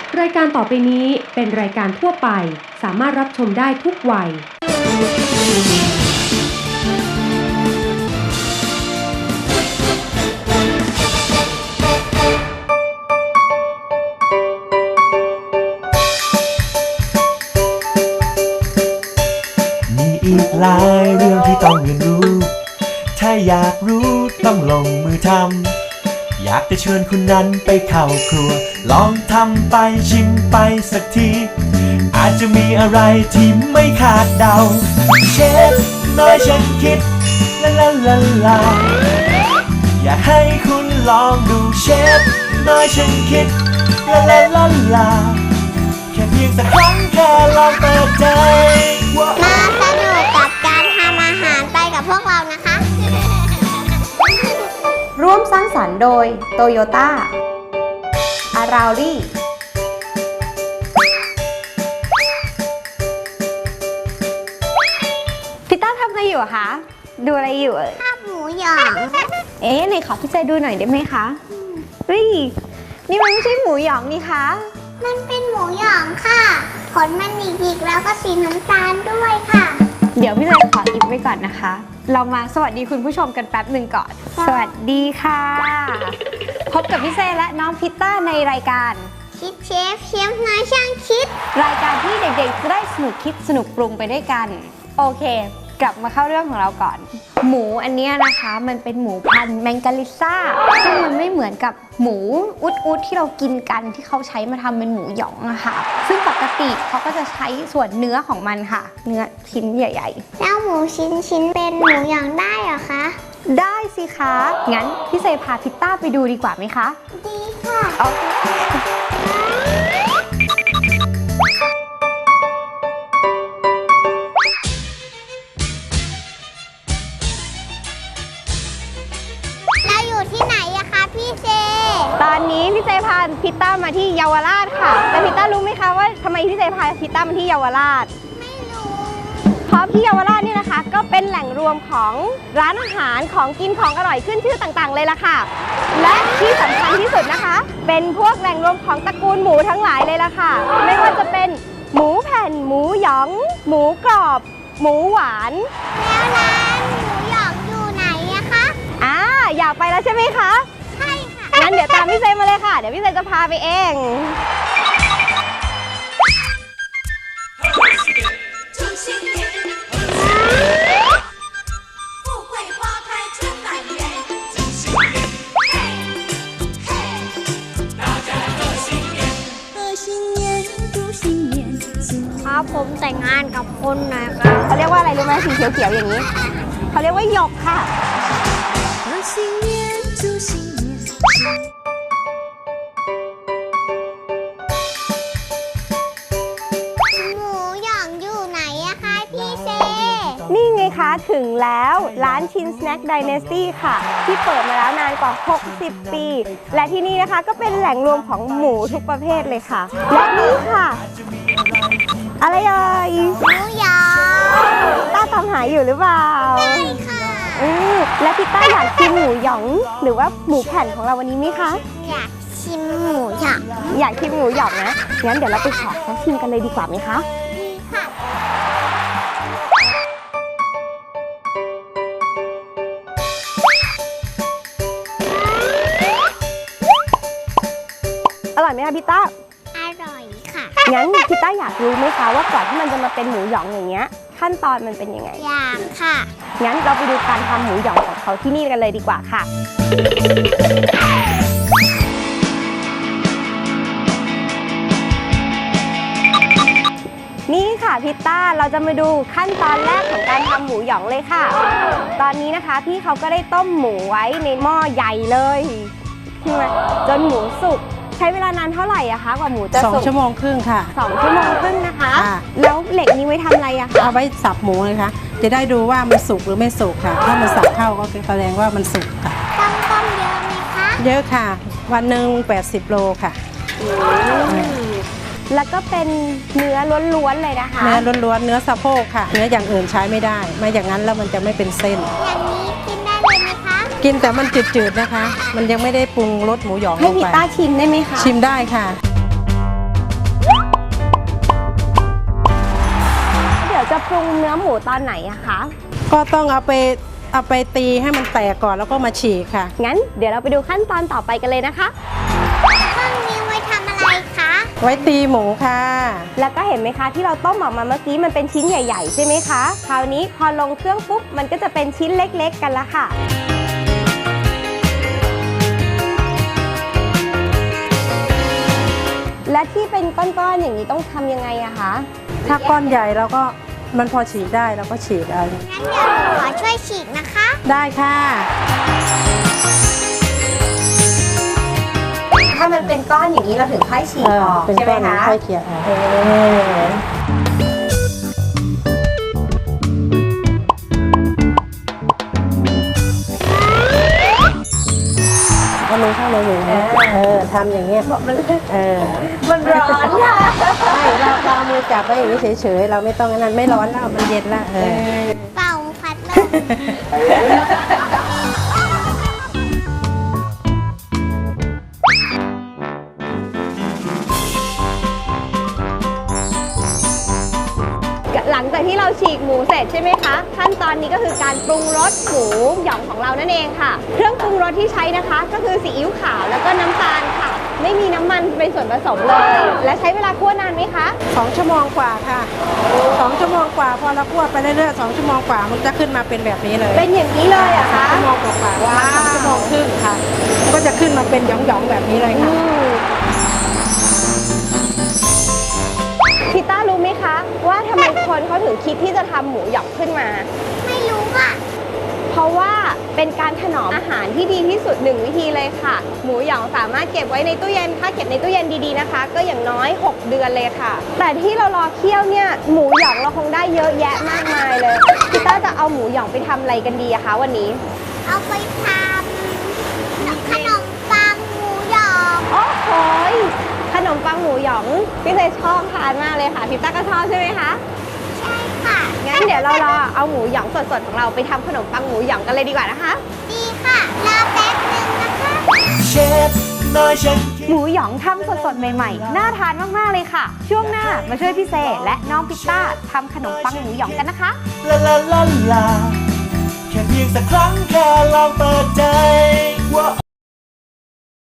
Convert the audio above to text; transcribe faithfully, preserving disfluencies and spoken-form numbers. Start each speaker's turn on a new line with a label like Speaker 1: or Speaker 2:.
Speaker 1: รายการต่อไปนี้เป็นรายการทั่วไปสามารถรับชมได้ทุกวัย
Speaker 2: มีอีกหลายเรื่องที่ต้องเรียนรู้ถ้าอยากรู้ต้องลงมือทำอยากจะเชิญคุณนั้นไปเข้าครัวลองทำไปชิมไปสักทีอาจจะมีอะไรที่ไม่คาดเดาเชฟน้อยฉันคิดลาลาลาลาอยากให้คุณลองดูเชฟน้อยฉันคิดลาลาลาลาแค่เพียงสักครั้งแค่ลองเปิดใจ
Speaker 3: มาสนุกกับการทำอาหารไปกับพวกเรานะคะ
Speaker 4: ร่วมสร้างสรรค์โดยโตโยต้าอาราลี่พี่ต้าทำอะไรอยู่อะคะดูอะไรอยู่เอ่ย
Speaker 3: ภาพหมูหยอง
Speaker 4: เอ๊ะไหนขอพี่ใจดูหน่อยได้ไหมคะเฮ้ยนี่มันไม่ใช่หมูหยองนี่คะ
Speaker 3: มันเป็นหมูหยองค่ะขนมันหยิกๆแล้วก็สีน้ำตาลด้วยค่ะ
Speaker 4: เดี๋ยวพี่ใจขออิบไว้ก่อนนะคะเรามาสวัสดีคุณผู้ชมกันแป๊บหนึ่งก่อนสวัสดีค่ะพบกับพี่เซและน้องพิตต้าในรายการ
Speaker 3: คิดเชฟเชฟน้อยช่างคิด
Speaker 4: รายการที่เด็กๆจะได้สนุกคิดสนุกปรุงไปด้วยกันโอเคกลับมาเข้าเรื่องของเราก่อนหมูอันนี้นะคะมันเป็นหมูพันธุ์แมงกาลิซ่าซึ่งมันไม่เหมือนกับหมูอุดอุดที่เรากินกันที่เขาใช้มาทำเป็นหมูหยองอะค่ะซึ่งปกติเขาก็จะใช้ส่วนเนื้อของมันค่ะเนื้อชิ้นใหญ่
Speaker 3: ๆแล้วหมูชิ้นชิ้นเป็นหมูหยองได้เหรอคะ
Speaker 4: ได้สิคะงั้นพี่เซพาพิตต้าไปดูดีกว่าไหมคะ
Speaker 3: ดีค่ะ
Speaker 4: โอเคตอนนี้พี่เจพาพิตต้ามาที่เยาวราชค่ะแต่พิตต้ารู้ไหมคะว่าทำไมพี่เจพาพิตต้ามาที่เยาวราช
Speaker 3: ไม่รู้
Speaker 4: เพราะที่เยาวราชนี่นะคะก็เป็นแหล่งรวมของร้านอาหารของกินของอร่อยขึ้นชื่อต่างๆเลยล่ะค่ะและที่สำคัญที่สุดนะคะเป็นพวกแหล่งรวมของตระกูลหมูทั้งหลายเลยล่ะค่ะไม่ว่าจะเป็นหมูแผ่นหมูหยองหมูกรอบหมูหวาน
Speaker 3: แล้วร้านหมูหยองอยู่ไหนอะคะ
Speaker 4: อ่าอยากไปแล้วใช่ไหมคะงั้นเดี๋ยวตามพี่เซมาเลยค่ะเดี๋ยวพี่เซจะพาไปเอง
Speaker 3: ครับผมแต่งงานกับคนนะครับ
Speaker 4: เขาเรียกว่าอะไรรู้ไหมสีเขียวๆอย่างนี้เขาเรียกว่าหยกค่ะ
Speaker 3: หมูหยองอยู่ไหนอะคะพี่เซ
Speaker 4: นี่ไงคะถึงแล้วร้านชินสแน็คไดเนสตี้ค่ะที่เปิดมาแล้วนานกว่าหกสิบปีและที่นี่นะคะก็เป็นแหล่งรวมของหมูทุกประเภทเลยค่ะและนี่ค่ะอะไรเอ่ย
Speaker 3: หมูหยอง
Speaker 4: ต้าตามหาอยู่หรือเปล่า
Speaker 3: ใช่ค่ะ
Speaker 4: อืมและพี่ต้าอยากชิมหมูหยองหรือว่าหมูแผ่นของเราวันนี้ไหมคะ
Speaker 3: อยากชิมหมูหยอง
Speaker 4: อยากชิมหมูหยองนะงั้นเดี๋ยวเราไปขอเขาชิมกันเลยดีกว่าไหมคะ
Speaker 3: ดีค่ะ
Speaker 4: อร่อยไหมคะพี่ต้า
Speaker 3: อร่อยค่ะ
Speaker 4: งั้นพี่ต้าอยากรู้ไหมคะว่าก่อนที่มันจะมาเป็นหมูหยองอย่างเงี้ยขั้นตอนมันเป็นยังไง
Speaker 3: อยากค่ะ
Speaker 4: งั้นเราไปดูการทำหมูหยองของเขาที่นี่กันเลยดีกว่าค่ะนี่ค่ะพิตต้าเราจะมาดูขั้นตอนแรกของการทำหมูหยองเลยค่ะตอนนี้นะคะพี่เขาก็ได้ต้มหมูไว้ในหม้อใหญ่เลยจนหมูสุกใช้เวลานานเท่าไหร่อะคะกว่าหมูจะสุก
Speaker 5: สองชั่วโมงครึ่งค่ะ
Speaker 4: สองชั่วโมงครึ่งนะคะแล้วเหล็กนี้ไว้ทำอะไรอะคะ
Speaker 5: เอาไว้สับหมูเลยค่ะจะได้ดูว่ามันสุกหรือไม่สุกค่ะถ้ามันสับเข้าก็แสดงว่ามันสุกค่ะ
Speaker 3: ต้องต้มเยอะไหมคะ
Speaker 5: เยอะค่ะวันหนึ่งแปดสิบโลค่ะ
Speaker 4: แล้วก็เป็นเนื้อล้วนๆเลยนะคะ
Speaker 5: เนื้อล้วนๆเนื้อสะโพกค่ะเนื้ออย่างอื่นใช้ไม่ได้ไม่อย่างนั้นแล้วมันจะไม่เป็นเส้น
Speaker 3: อย่างนี้กินได้เลยไหมคะ
Speaker 5: กินแต่มันจืดๆนะคะมันยังไม่ได้ปรุงรสหมูหยองลงไป
Speaker 4: ให้พี่ต้าชิมได้ไหมคะ
Speaker 5: ชิมได้ค่ะ
Speaker 4: จะปรุงเนื้อหมูตอนไหนอะคะ
Speaker 5: ก็ต้องเอาไปเอาไปตีให้มันแตกก่อนแล้วก็มาฉีกค่ะ
Speaker 4: งั้นเดี๋ยวเราไปดูขั้นตอนต่อไปกันเลยนะคะ
Speaker 3: เครื่องนี้ไว้ทำอะไรคะ
Speaker 5: ไว้ตีหมูค่ะ
Speaker 4: แล้วก็เห็นไหมคะที่เราต้มออกมาเมื่อกี้มันเป็นชิ้นใหญ่ๆใช่ไหมคะคราวนี้พอลงเครื่องปุ๊บมันก็จะเป็นชิ้นเล็กๆกันละค่ะและที่เป็นก้อนๆอย่างนี้ต้องทำยังไงอะคะ
Speaker 5: ถ้าก้อนใหญ่เราก็มันพอฉีกได้เราก็ฉีกเอา
Speaker 3: งั้นเดี๋ยวหนูขอช่วยฉีกนะคะ
Speaker 5: ได้ค่ะ
Speaker 4: ถ้ามันเป็นก้อนอย่างนี้เราถึงค่อยฉีกออก
Speaker 5: เป็น
Speaker 4: ใช่ไหม
Speaker 5: ก้อน
Speaker 4: คะ
Speaker 5: ค่อยเขี่ยออกเอามือเข้าเลยอย่างนี้เออทำอย่างเงี้ยเออ
Speaker 4: มันร้อนค่ะ
Speaker 5: ใช่เราเราเอามือจับไว้อย่างนี้เฉยๆ เราไม่ต้องอันนั้นไม่ร้อนแล้วมันเย็นแล้วเออ
Speaker 3: เป่าพัดลม
Speaker 4: หลังจากที่เราฉีกหมูเสร็จใช่ไหมคะขั้นตอนนี้ก็คือการปรุงรสหมูหยองของเรานั่นเองค่ะ เครื่องปรุงรสที่ใช้นะคะ ก็คือซีอิ๊วขาวแล้วก็น้ำตาลค่ะ ไม่มีน้ำมันเป็นส่วนผสมเลย และใช้เวลาคั่วนานไหมคะ
Speaker 5: สองชั่วโมงกว่าค่ะสองชั่วโมงกว่าพอเราคั่วไปเรื่อยๆสองชั่วโมงกว่ามันจะขึ้นมาเป็นแบบนี้เลย
Speaker 4: เป็นอย่างนี้เลยอะคะ
Speaker 5: ชั่วโมงกว่าๆว่าสองชั่วโมงครึ่งค่ะ ก็จะขึ้นมาเป็นหยองๆแบบนี้เลยค่ะ
Speaker 4: พี่ต้ารู้ไหมคะ ว่าทำไมคนเขาถึงคิดที่จะทำหมูหยองขึ้นมา
Speaker 3: ไม่รู้อ่ะ
Speaker 4: เพราะว่าเป็นการถนอมอาหารที่ดีที่สุดหนึ่งวิธีเลยค่ะ หมูหยองสามารถเก็บไว้ในตู้เย็นถ้าเก็บในตู้เย็นดีๆนะคะ ก็อย่างน้อยหกเดือนเลยค่ะ แต่ที่เรารอเคี่ยวเนี่ยหมูหยองเราคงได้เยอะแยะมากมายเลยพี่ต้าจะเอาหมูหยองไปทำอะไรกันดีอะคะวันนี้
Speaker 3: เอาไปทำขนมปังหมูหยอง
Speaker 4: โอ้โหยขนมปังหมูหยองพี่เซชอบทานมากเลยค่ะพี่ต้าก็ชอบใช่ไหมคะ
Speaker 3: ใช่ค่ะ
Speaker 4: งั้นเดี๋ยวเรารอเอาหมูหยองสดๆของเราไปทำขนมปังหมูหยองกันเลยดีกว่านะคะ
Speaker 3: ดีค่ะ รอแป๊บหนึ่งนะคะ
Speaker 2: เชฟน้อยฉัน
Speaker 4: หมูหยองทำสดๆใหม่ๆ น่าทานมากๆเลยค่ะ ช่วงหน้ามาช่วยพี่เซและน้องพิตต้าทำขนมปังหมูหยองกันนะคะ
Speaker 2: ลาลาลาลาแค่เพียงสักครั้งแค่ลองเปิดใจว่า